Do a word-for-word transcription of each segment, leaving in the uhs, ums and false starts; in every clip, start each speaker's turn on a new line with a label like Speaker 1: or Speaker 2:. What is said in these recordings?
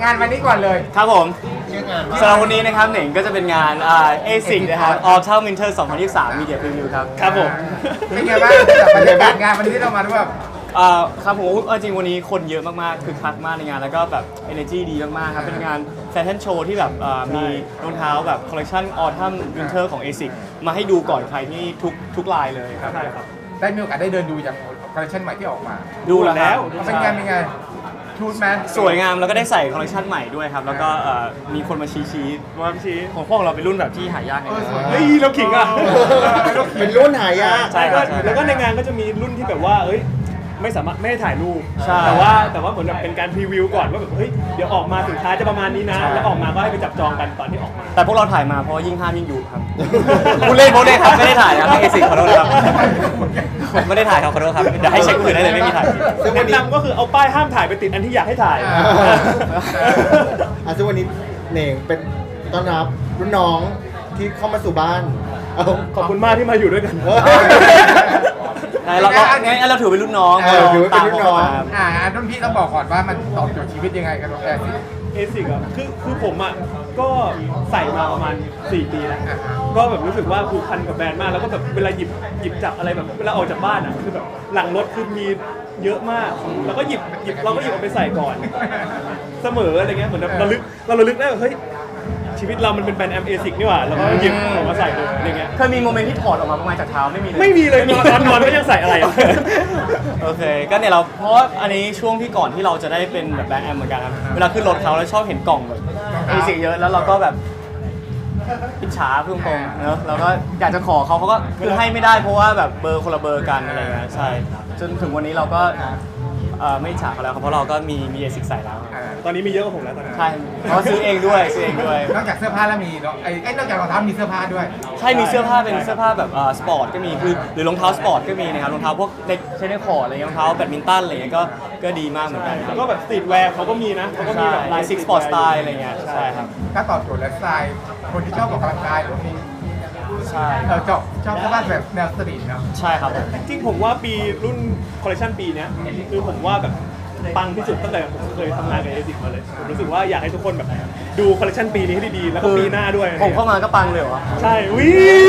Speaker 1: งานวันนี้ก่อนเลย
Speaker 2: ครับผมสำหรับวันนี้นะครับหนึ่งก็จะเป็นงานอ่า เอ ซิก นะครับ Autumn Winter สองพันยี่สิบสาม Media Preview ครับครับผม
Speaker 1: เป็นไงบ้างกับบรรยากาศงานวันนี้ที่เรามาด้วย
Speaker 2: อ่าครับผมเอาจริงวันนี้คนเยอะมากๆคือคักมากในงานแล้วก็แบบ energy ดีมากๆครับเป็นงานแฟชั่นโชว์ที่แบบอ่ามีรองเท้าแบบคอลเลคชัน Autumn Winter ของ เอ ซิก มาให้ดูก่อนใครที่ทุกทุกลายเลยครับใช่ครับ
Speaker 1: ได้มีโอกาสได้เดินดูอย่างคอลเลคชันใหม่ที่ออกมา
Speaker 2: ดูแล้ว
Speaker 1: เป็นไงเป็นไงชูดแมน
Speaker 2: สวยงามแล้วก็ได้ใส่คอลเลคชันใหม่ด้วยครับแล้วก็เอ่อมีคนมาชี้ชี้ว่าชี้ของพวกเราเป็นรุ่นแบบที่หายากไง
Speaker 3: เฮ้ยเราขิงอ่ะ
Speaker 4: เป็นรุ่นหายาก
Speaker 2: ใช่ครับ
Speaker 3: แล้วก็ในงานก็จะมีรุ่นที่แบบว่าเอ้ยไม่สามารถไม่ได้ถ่ายรูป
Speaker 2: ใช่
Speaker 3: แต่ว่าแต่ว่าเหมือนแบบเป็นการพรีวิวก่อนว่าแบบเฮ้ยเดี๋ยวออกมาสินค้าจะประมาณนี้นะ
Speaker 2: ใช่
Speaker 3: แล้วออกมาก็ให้ไปจับจองกันตอนที่ออกมา
Speaker 2: แต่พวกเราถ่ายมาเพราะว่ายิ่งห้ามยิ่งอยู่ครับ พูดเล่นพูดเล่นครับไม่ได้ถ่ายนะครับเอซิขอโทษนะครับไม่ได้ถ่ายครับขอโทษครับเดี๋ยวให้เช็คคนอื่นได้เลยไม่มีถ่าย
Speaker 4: ซึ่งวัน
Speaker 3: แนะ
Speaker 4: นี้
Speaker 3: นำก็คือเอาป้ายห้ามถ่ายไปติดอันที่อยากให้ถ่าย
Speaker 4: อ่ะซึ่งวันนี้เหน่งเป็นต้อนรับรุ่นน้องที่เข้ามาสู่บ้านเอา
Speaker 3: ขอบคุณมากที่มาอยู่ด้วยกัน
Speaker 4: เออ
Speaker 2: ไหนเราเรางั้นเราถือเป็นรุ่นน้อง
Speaker 4: เออถือว่าเป็นรุ่นน้อง
Speaker 2: ตามเขามา
Speaker 1: อ่ารุ่นพี่ต้องบอกก่อนว่ามันตอบโจทย์ชีวิตยังไงกันแอร์ซิ
Speaker 3: เอซิกอ่ะคือคือผมอ่ะก็ใส่มาประมาณสี่ปีแล้วก็แบบรู้สึกว่าผูกพันกับแบรนด์มากแล้วก็แบบเวลาหยิบหยิบจับอะไรแบบเวลาออกจากบ้านอ่ะคือแบบหลังรถคือมีเยอะมาก แล้วก็หยิบหยิบเราก็หยิบเอาไปใส่ก่อน เสมออะไรเงี้ยเหมือนแบบระลึกเราระลึกได้ว่าเฮ้ยชีวิตเรามันเป็นแบรนด์แอมเอซิกนี่หว่าแล้วก็หยิบออกมาใส่ดูอะไรเงี้ย
Speaker 2: เคยมีโมเมนต์ที่ถอดออกมาประมาณจากเท้าไม่มีเลย
Speaker 3: ไม่มีเลยนอนนอนนอนก็ยังใส่อะไรอ่ะ
Speaker 2: โอเคก็เนี่ยเราเพราะว่าอันนี้ช่วงที่ก่อนที่เราจะได้เป็นแบบแบรนด์แอมเหมือนกันครับเวลาขึ้นรถเขาแล้วชอบเห็นกล่องแบบเอซิกเยอะแล้วเราก็แบบอิจฉาพุ่งตรงๆเนอะเราก็อยากจะขอเขาเขาก็คือให้ไม่ได้เพราะว่าแบบเบอร์คนละเบอร์กันอะไรเงี้ยใช่จนถึงวันนี้เราก็เอ่อไม่อิจฉาเขาแล้วครับเพราะเราก็มีมีเอซิกใส่แล้ว
Speaker 3: ตอนนี้มีเยอะกว่าผมแล้วตอนนี้
Speaker 2: ใช่เพราะซื้อเองด้วยซื้อเองด้วย
Speaker 1: นอกจากเสื้อผ้าแล้วมีเนาะไอ้ไอ้นอกจากรองเท้ามีเสื้อผ้าด้วย
Speaker 2: ใช่มีเสื้อผ้าเป็นเสื้อผ้าแบบเอ่อสปอร์ตก็มีคือหรือรองเท้าสปอร์ตก็มีนะครับรองเท้าพวกในใช้ในคอร์ดอะไรเงี้ยรองเท้าแบดมินตันอะไรเงี้ยก็ก็ดีมากเหมือนกัน
Speaker 3: แล้วก็แบบสตรีทแวร์เขาก็มีนะเขาก็มี
Speaker 2: ใช่
Speaker 3: แบบ
Speaker 2: ลายซิกสปอร์ตสไตล์อะไรเงี้ยใช่ครับ
Speaker 1: ก็ตอบโจทย์ไลฟ์สไตล์คนที่ชอบออกกำลังกายหรือมี
Speaker 2: ใช่
Speaker 1: เออชอบชอบเสื้อผ้าแบบแนวสตรีทเนาะ
Speaker 2: ใช่ครับผม
Speaker 3: จริงๆผมว่าปีรุ่นคอลเลคชันปีเนี้ยคือผมว่าแบบปังที่สุดตั้งแต่ผมเคยทำงานกับเอซิกมาเลยผมรู้สึกว่าอยากให้ทุกคนแบบดูคอลเลคชันปีนี้ให้ดีๆแล้วก็ปีหน้าด้วย
Speaker 2: ผมเข้ามาก็ปังเลยเหรอ
Speaker 3: ใช่วิ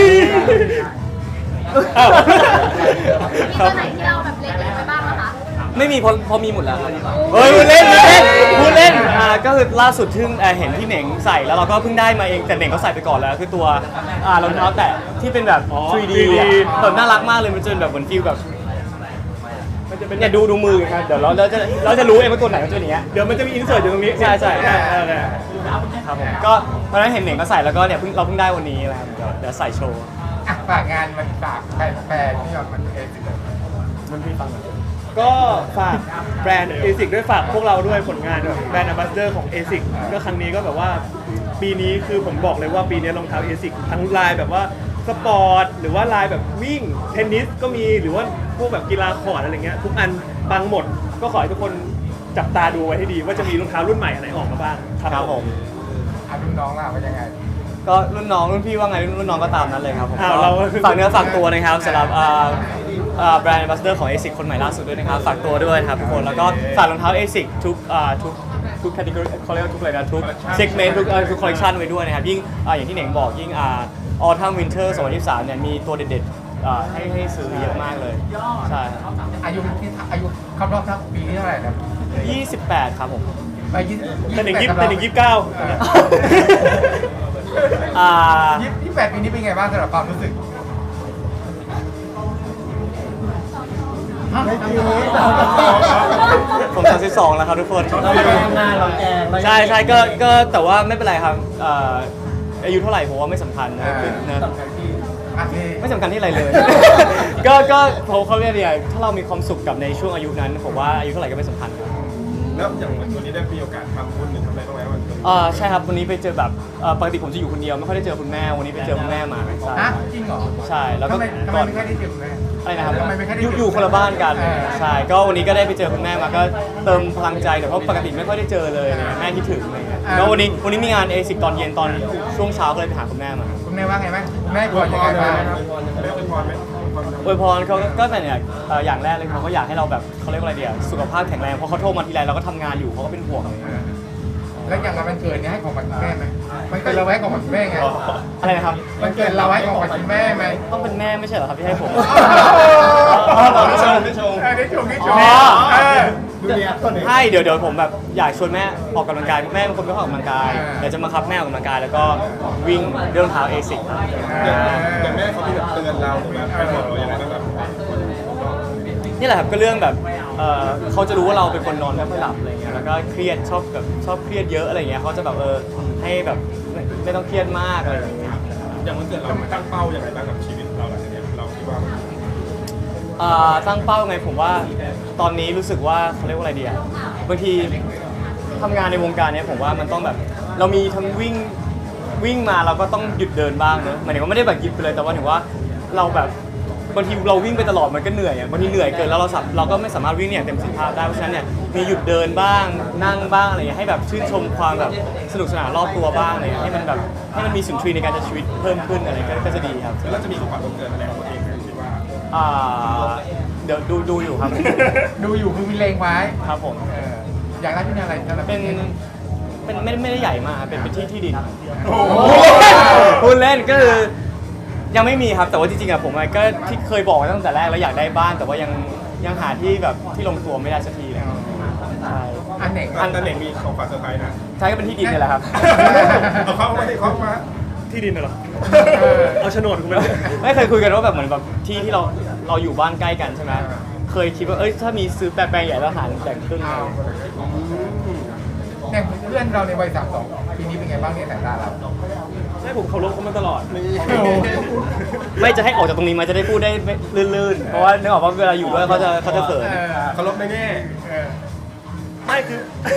Speaker 3: อ้าว
Speaker 5: มีตัวไหนที่เราแบบเล็งๆไว้บ้างนะคะ
Speaker 2: ไม่มีเพราะเพราะมีหมดแล้วเฮ้ยพูดเล่นพูดเล่นพูดเล่นอ่าก็คือล่าสุดที่เอ่อเห็นที่เหน่งใส่แล้วเราก็เพิ่งได้มาเองแต่เหน่งเขาใส่ไปก่อนแล้วคือตัวอ่ารองเท้าแตะที่เป็นแบบ ทรี ดี อะแบบน่ารักมากเลยมันจนแบบเหมือนฟิลแบบ
Speaker 3: มันจะเป็น
Speaker 2: เนี่ยดูดูมือครับเดี๋ยวเราเราจะเราจะรู้เองว่าตัวไหนเป็นตัวอย่างเงี้ย
Speaker 3: เดี๋ยวมันจะมีอินเสิร์ตอยู่ตรงนี้
Speaker 2: ใช่ใช่
Speaker 3: เออเออเออ
Speaker 2: ครับผมก็วันนั้นเห็นเหน่งก็ใส่แล้วก็เนี่ยเพิ่งเราเพิ่งได้วันนี้แหละครับเดี๋ยวเดี๋ยวใส่โชว์
Speaker 1: อ่ะฝากงานมันฝากแฟนแฟนที่แบบมันเอซิเลย
Speaker 2: มันพี่ฟังหน่อย
Speaker 3: ก็ฝากแบรนด์เอซิกด้วยฝากพวกเราด้วยผลงานแบบแบรนด์อัมบาสเดอร์ของเอซิกก็ครั้งนี้ก็แบบว่าปีนี้คือผมบอกเลยว่าปีนี้รองเท้าเอซิกทั้งลายแบบว่าสปอร์ตหรือว่าลายแบบวิ่งเทนนิสก็มีหรือว่าพวกแบบกีฬาคอร์ดอะไรเงี้ยทุกอันปังหมดก็ขอให้ทุกคนจับตาดูไว้ให้ดีว่าจะมีรองเท้ารุ่นใหม่อะไรออกมาบ้าง
Speaker 2: ครับผม
Speaker 1: อ่ะรุ่นน้องล่ะว่ายังไง
Speaker 2: ก็รุ่นน้องรุ่นพี่ว่าไงรุ่นน้องก็ตามนั้นเลยครับผม
Speaker 3: อ้าว
Speaker 2: ก็
Speaker 3: เรา
Speaker 2: ฝากเนื้อฝากตัวนะครับสำหรับอ่าอ่าแบรนด์ Ambassador ของ เอซิก คนใหม่ล่าสุดด้วยนะครับฝากตัวด้วยนะครับทุกคนแล้วก็ฝากรองเท้า เอซิก ทุกอ่าทุกทุกแคตตาล็อกเขาเรียกว่าทุกอะไรนะทุกเซกเมนต์ทุกเอ่อทุกคอลเลคชันไว้ด้วยนะครับยิ่งอ่าอย่างที่เหน่งบอกยิ่งอ่า Autumn Winter สองพันยี่สิบสามเนี่ยมีตัวเด็ดๆอ่าให้ให้ซื้อเยอะมากเลยใช่ครับ
Speaker 1: อายุที่อายุครบรอบทักปีที่เท่าไหร่นะ
Speaker 2: ยี่สิบแปดครับผม
Speaker 1: ไปยี่สิบ
Speaker 3: แต่หนึ่งยี่แต่หนึ่งยี่สิบเก้า
Speaker 2: อ่า
Speaker 1: ยี่สิบแปดปีนี้เป็นไงบ้างสำหรับความรู้สึก
Speaker 2: ผมสามสิบสองแล้วครับทุกคน
Speaker 4: เราแกงงานเราแกงเรา
Speaker 2: ใช่ใช่ก็ก็แต่ว่าไม่เป็นไรครับเอ่ออายุเท่าไหร่ผมว่าไม่สำคัญนะนะ
Speaker 1: อ่ะที่
Speaker 2: ไม่สำคัญที่อะไรเลย ก็ก็เขาเขาเรียกอะไรถ้าเรามีความสุขกับในช่วงอายุนั้นผมว่าอายุเท่าไหร่ก็ไม่สำคัญครับ
Speaker 6: แล้วอย่างวันนี้ได้มีโอกาสทำบุญหรือทำอะไรบ้างไหมวันนี้
Speaker 2: อ่าใช่ครับวันนี้ไปเจอแบบเอ่อปกติผมจะอยู่คนเดียวไม่ค่อยได้เจอคุณแม่วันนี้ไปเจอคุณแม่มาใช่
Speaker 1: ฮะจริงเหรอ
Speaker 2: ใช่แล้วก็
Speaker 1: ทำไมทำไม
Speaker 2: ก่อน
Speaker 1: ไม่ค่อยได้เจอคุณแม่
Speaker 2: อะไรนะครับ
Speaker 1: ทำไมไม่ค่อยได้
Speaker 2: อยู่
Speaker 1: เจอ
Speaker 2: อยู่คนละบ้านกัน
Speaker 1: เออ
Speaker 2: ใช่ก็วันนี้ก็ได้ไปเจอคุณแม่มาก็เติมพลังใจเดี๋ยวเพราะปกติไม่ค่อยได้เจอเลยเนี่ยแม่คิดถึงอะไรเงี้ยแล้ววันนี้วันนี้มีงานเอซิกตอนเย็นตอนช่วงเช้าก็เลยไปหาคุณแม่มา
Speaker 1: คุณแม่ว่าไงบ้างแม่กลัวยังไงบ้าง
Speaker 6: ได้เป็นพรไหม
Speaker 2: อวยพรเขาก็เป็นอย่างเอ่ออย่างแรกเลยเขาก็อยากให้เราแบบเขาเรียกว่าอะไรเดียวสุขภาพแข็งแรงเพราะเขาโทรมาทีไรเราก็ทำงานอยู่เขาก็เป็นห่วงอะไรเงี้ย
Speaker 1: แล้วอย่างวันเกิดเนี่ยให้ของขวัญคุณแม่ไหมมันเกิดเราไว้ของขวัญคุณแม่ไง
Speaker 2: อะไรนะครับ
Speaker 1: มันเกิดเราให้ของขวัญคุณแม่ไหม
Speaker 2: ต้องเป็นแม่ไม่ใช่เหรอครับที่ให้ผม
Speaker 6: ไม่ชมไม่ชม
Speaker 1: เออได้ชมได้ชม
Speaker 2: อ๋อ
Speaker 1: เออ
Speaker 4: ดูเนี้ยต้นเนี้ย
Speaker 2: ใช่เดี๋ยวเดี๋ยวผมแบบอยากชวนแม่ออกกำลังกายแม่เป็นคนไม่ค่อยออกกำลังกาย
Speaker 1: อ่า
Speaker 2: เดี๋ยวจะมาคับแม่ออกกำลังกายแล้วก็วิ่งเรื่องเท้าเอซิก
Speaker 6: แต่แม่เขามีแบบเตือนเราหรือแบบให้บอกเราอย่างไรบ้างแบบ
Speaker 2: นี่แหละครับก็เรื่องแบบเอ่อเขาจะรู้ว่าเราเป็นคนนอนไม่ค่อยหลับอะไรเงี้ยแล้วก็เครียดชอบแบบชอบเครียดเยอะอะไรเงี้ยเขาจะแบบเออให้แบบไม่ไม่ต้องเครียดมากอะไรอย่างเงี้ย
Speaker 6: อย่างวันเกิดเราตั้งเป้าอย่างไรบ้างกับชีวิตเราหลังจากเนี้ยเราคิดว่า
Speaker 2: อ่าตั้งเป้าไงผมว่าตอนนี้รู้สึกว่าเขาเรียกว่าอะไรดีอะบางทีทำงานในวงการเนี้ยผมว่ามันต้องแบบเรามีทั้งวิ่งวิ่งมาเราก็ต้องหยุดเดินบ้างเนอะหมายถึงว่าไม่ได้แบบหยุดไปเลยแต่ว่าถือว่าเราแบบบางทีเราวิ่งไปตลอดมันก็เหนื่อยอะบางทีเหนื่อยเกินแล้วเราสับเราก็ไม่สามารถวิ่งเนี่ยเต็มประสิทธิภาพได้เพราะฉะนั้นเนี่ยมีหยุดเดินบ้างนั่งบ้างอะไรอย่างเงี้ยให้แบบชื่นชมความแบบสนุกสนานรอบตัวบ้างอะไรอย่างเงี้ยให้มันแบบให้มันมีสุนทรีย์ในการใช้ชีวิตเพิ่มขึ้นอะไรก็ก็จะดีครับ
Speaker 6: แล้วจะมีของขวัญวันเกิดอะไรของตัวเองไหมคิดว่า
Speaker 2: อ่าเดี๋ยวดูดูอยู่ครับ
Speaker 1: ดูอยู่คือมีเลงไว้
Speaker 2: ครับผม
Speaker 1: เอออยากได้ที่อะไรสำหรับ
Speaker 2: เป็นเป็นไม่ไม่ได้ใหญ่มากครับเป็นเป็นที่ที่ดิน
Speaker 1: โอ้โห
Speaker 2: พูดเล่นก็คือยังไม่มีครับแต่ว่าจริงๆอะผมอะก็ที่เคยบอกไว้ตั้งแต่แรกแล้วอยากได้บ้านแต่ว่ายังยังหาที่แบบที่ลงตัวไม่ได้สักทีเลยใช่
Speaker 1: อันไหน
Speaker 6: อันนั้นเองมีของขวัญเซอร์ไพรส์นะ
Speaker 2: ใช่ก็เป็นที่ดินนี่แหละครับ
Speaker 6: เอาเข้ามาดิเข้ามา
Speaker 3: ที่ดินน่ะเหรอ
Speaker 1: เออ
Speaker 3: เอาโฉนดกูไปเลย
Speaker 2: ไม่เคยคุยกันว่าแบบเหมือนแบบที่ที่เราเราอยู่บ้านใกล้กันใช่ไหมเคยคิดว่าเอ้ยถ้ามีซื้อแปลงใหญ่แล้วหารแบ่งครึ่งเลย
Speaker 1: เนี่ยเพื่อนเราในวัยสามสองปีนี้เป็นไงบ้างเนี่ยสายตาเรา
Speaker 3: ให้ผมเคารพเขามาตลอด
Speaker 2: ไม่จะให้ออกจากตรงนี้มาจะได้พูดได้ไม่ลื่นๆ เพราะว่านึกออกว่าเวลาอยู่ด้วยเขาจะเขาจะเขิน
Speaker 1: เออ
Speaker 6: เคารพในแง่
Speaker 1: เออ
Speaker 3: ไม่คือ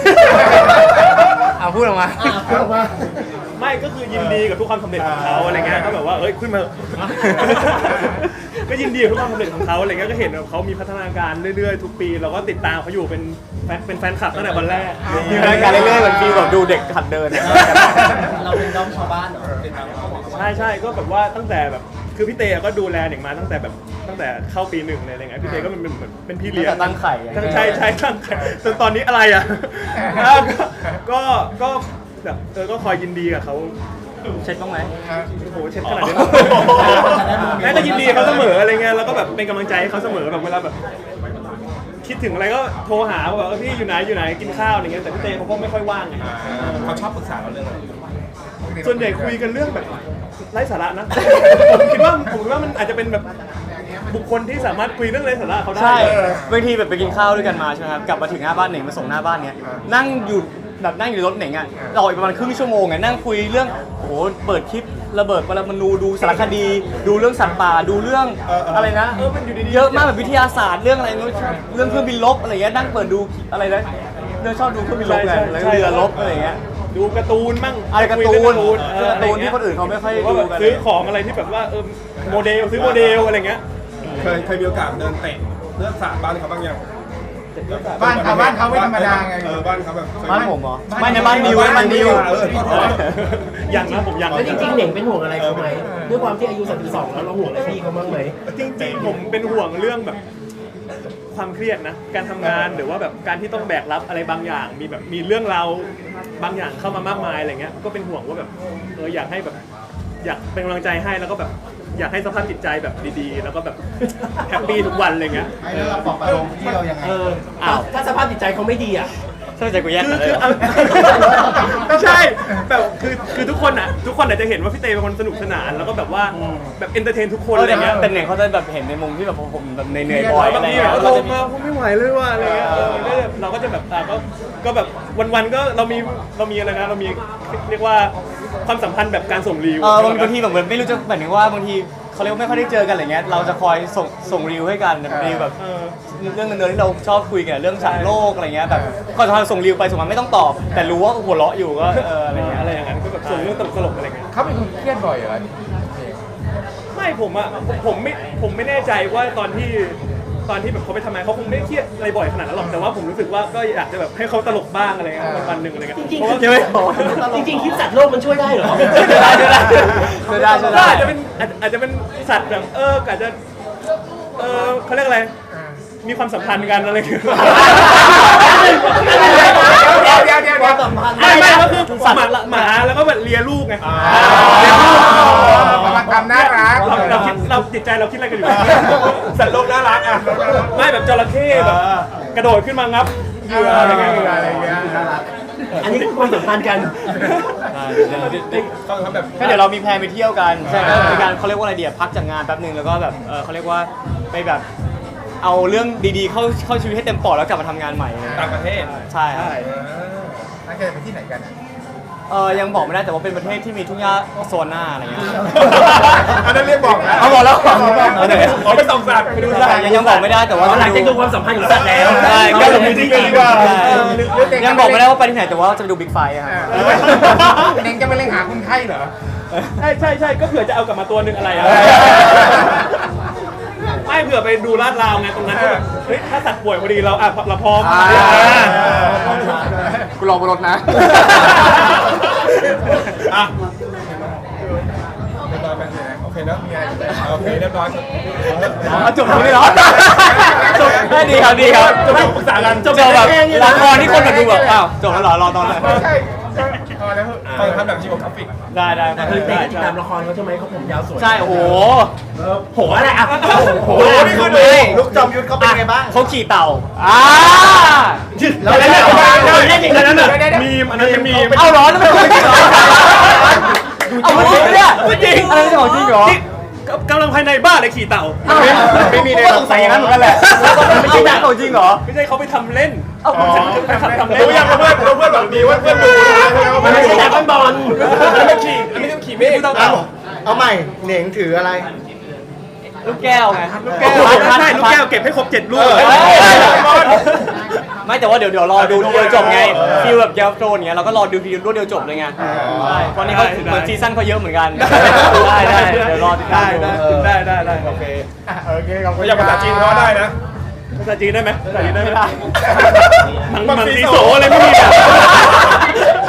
Speaker 2: เอาพูดออกมา
Speaker 4: อ่ะพูดออกมา
Speaker 3: ไม่ก็คือยินดีกับทุกความสำเร็จของเขาอะไรเงี้ยก็แบบว่าเอ้ยขึ้นมา ก็ยินดีกับทุกความสำเร็จของเขาอะไรเงี้ยก็เห็นว่าเขามีพัฒนาการเรื่อยๆทุกปีเราก็ติดตามเขาอยู่เป็นแฟนเป็นแฟนคลับตั้งแต่วันแรก
Speaker 2: มีรายการเรื่อยๆเหมือนฟีลแบบดูเด็กหัดเดิน
Speaker 7: เราเป็นน้องชาวบ้านเหรอเป็นน้องเขาบอก
Speaker 3: ใช่ใช่ก็แบบว่าตั้งแต่แบบคือพี่เตก็ดูแลเด็กมาตั้งแต่แบบตั้งแต่เข้าปีหนึ่งเลยอะไรเงี้ยพี่เตก็เป็นเหมือนเป็นพี่เลี้ยง
Speaker 2: ตั้งแต่ตั้งไข่อะ
Speaker 3: ใช่ใช่ตั้งไข่จนตอนนี้อะไรอ่ะอ่ะก็ก็แบบเออก็คอยยินดีกับเขา
Speaker 2: เช็ดบ้างไหม
Speaker 3: โอ้โหเช็ดขนาดนี้แม่ก็ยินดีเขาเสมออะไรเงี้ยแล้วก็แบบเป็นกำลังใจให้เขาเสมอแบบเวลาแบบ คิดถึงอะไรก็โทรหาว่าแบบเออพี่อยู่ไหนอยู่ไหนกินข้าวอะไรเงี้ยแต่พี่เตเขาก็ไม่ค่อยว่างไง
Speaker 6: เขาชอบปรึกษาเราเรื่องอะไร
Speaker 3: ส่วนใหญ่คุยกันเรื่องแบบไร้สาระนะ ผมคิดว่าผมคิดว่ามันอาจจะเป็นแบบบุคคลที่สามารถคุยเรื่องไร้สาระเขาได้
Speaker 2: ใช่บางทีแบบไปกินข้าวด้วยกันมาใช่ไหมครับกลับมาถึงหน้าบ้านเหน่งมาส่งหน้าบ้านเนี้ยนั่งอยู่แบบนั่งอยู่ในรถเหน่งอ่ะรออีกประมาณครึ่งชั่วโมงอ่ะนั่งคุยเรื่องโอ้โหเปิดคลิประเบิดปรมาณูดูสารคดี ดูเรื่องสัตว์ป่าดูเรื่องอะไรนะ
Speaker 3: เออมันอยู่ดีๆ
Speaker 2: เยอะมากแบบวิทยาศาสตร์เรื่องอะไรไม่รู้เรื่องเครื่องบินรบอะไรเงี้ยนั่งเปิดดูอะไรนะเรื่องชอบดูเครื่องบินรบไงแล้วก็เรือรบอะไรเงี้ย
Speaker 3: ดูการ์ตูนมั่ง
Speaker 2: อะไรการ์ตูน
Speaker 3: คุยเรื่อง
Speaker 2: เออการ์ตูนที่คนอื่นเขาไม่ค่อย
Speaker 3: ว่าแบบ
Speaker 2: ดูกัน
Speaker 3: ซื้อของอะไรที่แบบว่าเออโมเดลซื้อโมเดลอะไรเงี้ย
Speaker 6: เคยเคยมีโอกาสเดินเตะเลือดสาดบ้านเขาบ้างยัง
Speaker 1: บ้านเขาบ้านเขาไม่ธรรมดาไง
Speaker 6: เออบ้านเขาแบบเคย
Speaker 2: บ้านผมเหรอไม่ในบ้านนิวบ้านนิว
Speaker 6: เออ
Speaker 3: ยังนะผมยัง
Speaker 7: แล้วจริงๆเหน่งเป็นห่วงอะไรเขาไหมด้วยความที่อายุสามสิบสองแล้วเราห่วงอะไรพี่เขาบ้างไหม
Speaker 3: จริงๆผมเป็นห่วงเรื่องแบบความเครียดนะการทำงานหรือว่าแบบการที่ต้องแบกรับอะไรบางอย่าง มีแบบมีเรื่องราวบางอย่างเข้ามามากมายอะไรเงี้ยก็เป็นห่วงว่าแบบเอออยากให้แบบอยากเป็นกำลังใจให้แล้วก็แบบอยากให้สภาพจิตใจแบบดีๆ แล้วก็แบบแฮปปี้ทุกวันอะไรเงี้ย
Speaker 4: ให้แล้วเราปลอบประโลมที่เรายังไง
Speaker 7: เออ
Speaker 2: อ้าว
Speaker 7: ถ้าสภาพจิตใจเขาไม่ดีอ่ะ
Speaker 2: ใช่ใจกูแยก
Speaker 3: คือ
Speaker 2: กันเลย
Speaker 3: คือ
Speaker 2: เหรอ
Speaker 3: เอาไม่ใช่แบบคือคือทุกคนอ่ะทุกคนอาจจะเห็นว่าพี่เตเป็นคนสนุกสนานแล้วก็แบบว่าแบบเอนเตอร์เทนทุกคน
Speaker 2: เออ
Speaker 3: อะไร
Speaker 2: แต่
Speaker 3: เงี้ย
Speaker 2: เป็นเนี่ยเขาจะแบบเห็นในมุมที่แบบผมแบบเหนื่อยๆบ่อย
Speaker 3: บา
Speaker 2: อะ
Speaker 3: ง
Speaker 2: ไร
Speaker 3: ที
Speaker 2: เงี้ย
Speaker 3: แบบ
Speaker 2: เรา
Speaker 3: โทร
Speaker 2: จะมี
Speaker 3: มาผมไม่ไหวเลยว่ะอะไรเงี้ยเออมันก็จะเราก็จะแบบอ่ะก็ก็แบบวันๆก็เรามีเรามีอะไรนะเรามีเรียกว่าความสัมพันธ์แบบการส่งรีวิว
Speaker 2: เออบางทีแบบเหมือนไม่รู้จะหมายถึงว่าบางทีเขาเรียกว่าไม่ค่อยได้เจอกันอะไรเงี้ยเราจะคอยส่งส่งรีวให้กันแบบรีวแบบ
Speaker 3: เออ
Speaker 2: เรื่องเงินๆที่เราชอบคุยกันเรื่องสัตว์โลกอะไรเงี้ยแบบก็จะส่งรีวไปส่งมาไม่ต้องตอบ แต่รู้ว่าหัวเราะอยู่ก็เอออะไรเงี้ย
Speaker 3: อะไรอย่างนั้นก็แบบส่งเรื่องตลกๆอะไรเงี้ย
Speaker 1: เขาเป็นคนเครียดบ่อยเหรอ
Speaker 3: ไม่ผมอ่ะผมไม่ผมไม่แน่ใจว่าตอนที่ตอนที่แบบเขาไปทำงานเขาคงไม่ได้เครียดอะไรบ่อยขนาดนั้นหรอกแต่ว่าผมรู้สึกว่าก็อยากจะแบบให้เขาตลกบ้างอะไรเงี้ยวันๆหนึ่งอะไรเงี้ย
Speaker 7: จริง
Speaker 3: เพราะว่า
Speaker 7: ๆ
Speaker 2: ใช่ไหม
Speaker 7: จริงๆคลิปสัตว์โลกมันช่วยได้เหรอ
Speaker 2: ช่วยได้ช่วยได้ช่วยได้ช่วย
Speaker 3: ก็
Speaker 2: ได้
Speaker 3: อาจจะเป็นอาจอาจจะเป็นสัตว์แบบเอออาจจะเออเขาเรียกอะไรมีความสัมพันธ์กันอะไรอย่างเงี้ย
Speaker 1: เดี๋ยวเดี๋ยวเดี๋ยวเดี๋ยว
Speaker 3: ไม่ไม่ก็คือหมาหมาแล้วก็แบบเลียลูกไง
Speaker 1: มันทำน่ารัก
Speaker 3: เราเราคิดเราจิตใจเราคิดอะไรกันอยู่
Speaker 6: สัตว์โลกน่ารักอ่ะ
Speaker 3: ไม่แบบจระเข้แบบกระโดดขึ้นมางับเหยื่ออะไรเงี้ย
Speaker 1: อะไรเงี้ย
Speaker 7: อันนี้คือความสัมพันธ์กัน
Speaker 6: ต้องทำแบบ
Speaker 2: ก็เดี๋ยวเรามีแพลนไปเที่ยวกันใช่ครับมีการเขาเรียกว่าอะไรเดียพักจากงานแป๊บนึงแล้วก็แบบเออเขาเรียกว่าไปแบบเอาเรื่องดีๆเข้าเข้าชีวิตให้เต็มปอดแล้วกลับมาทำงานใหม่
Speaker 6: ต่างประเทศ
Speaker 2: ใช่ครับ
Speaker 1: นักจะไปที่ไหนกัน
Speaker 2: เออยังบอกไม่ได้แต่ว่าเป็นประเทศที่มีทุ่งหญ้าโซนหน้าอะไรเงี้ย
Speaker 1: อันนั้นเรียกบอกนะ
Speaker 2: เอาบอกแล้วบอกแล้ว
Speaker 6: เอาเลยขอไปส่องสัตว์ไปดูสัตว์
Speaker 2: ยังยังบอกไม่ได้แต่ว่า
Speaker 7: หลังจากดูความสัมพันธ์ของสัตว์แล้ว
Speaker 2: ใช่ก็
Speaker 6: เอาไปจริงๆดีกว่า
Speaker 2: ใช่ยังบอกไม่ได้ว่าไปที่ไหนแต่ว่าจะไปดูบิ๊กไฟครับ
Speaker 1: เน่งจะไปเล่นหาคนไข้เหรอ
Speaker 3: ใช่ใช่ใช่ก็เผื่อจะเอากลับมาตัวหนึ่งอะไรอะไม่เผื่อไปดูลาดราวไงตรงนั้นก็แบบเฮ้ยถ้าสัตว์ป่วยพอดีเราอ่ะเราพร้อม
Speaker 2: กูรอบนรถนะ
Speaker 3: อ่ะ
Speaker 6: เรียบร้อยไปเลยนะโอเคเนอะโอเคเรียบร้อย
Speaker 2: เอาจบตรงนี้เหรอจบได้ดีครับดีครับจบปรึกษากันจบแบบละครที่คนมาดูแบบอ้าวจบแล้วเหรอรอตอนไหน
Speaker 1: ไม่ใช่พอแล้ว
Speaker 6: ตอนทำแบบจีโอกราฟิก
Speaker 2: ได้ได้ครับ
Speaker 7: คือเด็ก
Speaker 2: ได้
Speaker 7: ที่ติดตามละครเขาใช่ไหมเขาผมยาวสวย
Speaker 2: ใช่โอ้โห
Speaker 7: โหอะไรอ่ะโห
Speaker 2: โอ้โหนี่คือดู
Speaker 4: ลูกจอมยุทธเขาเป็นไงบ้าง
Speaker 2: เขาขี่เต่าอ่า
Speaker 4: แล้วเล่น
Speaker 3: เล่นอย่างนั้นน่ะมีมอันนั้นเป็นมีม
Speaker 2: เอาเหรอนั่นเป็นของจริงเหรอเอาจริงเนี่ยจริงอะไรของจริงเหรอ
Speaker 3: กำลังภายในบ้านเลยขี่เต่า
Speaker 2: ไม่มีเลยสงสัยอย่างนั้นเหมือนกันแหละไม่ใช่ของจริงเหรอ
Speaker 3: ไม่ใช่เขาไปทำเล่น
Speaker 2: เอาของจริง
Speaker 3: ทำเล่น
Speaker 6: รู้ยังเพื่อนรู้เพื่อนหวังดีว่าเพื่อนดู
Speaker 7: มันไม่ใช่แต่บอล
Speaker 6: อันนี้ขี่อันนี้ต้องขี่เมฆ
Speaker 4: เอาเอาใหม่เหน่งถืออะไร
Speaker 2: ลูกแก้วไง
Speaker 3: ลูกแก้วใช่ลูกแก้วเก็บให้ครบเจ็ดลูก
Speaker 2: ไม่แต่ว่าเดี๋ยวเดี๋ยวรอดูทีเดียวจบไงฟีลแบบเกมโตนเงี้ยเราก็รอดูทีเดียวรวดเดียวจบเลยไงใช่ตอนนี้เขาเหมือนซีซั่นเขาเยอะเหมือนกันได้ได้เดี๋ยวรอติดตามดู
Speaker 3: ได้ได้ได้
Speaker 6: โอเค
Speaker 1: โอเคขอบคุณ
Speaker 6: อยากภาษาจีนเขาได้นะ
Speaker 3: ภาษาจีนได้ไหมภาษาจีนได้ไหม
Speaker 2: ไม่ได้
Speaker 3: มังมังสีโสอะไรไม่มีอ่ะ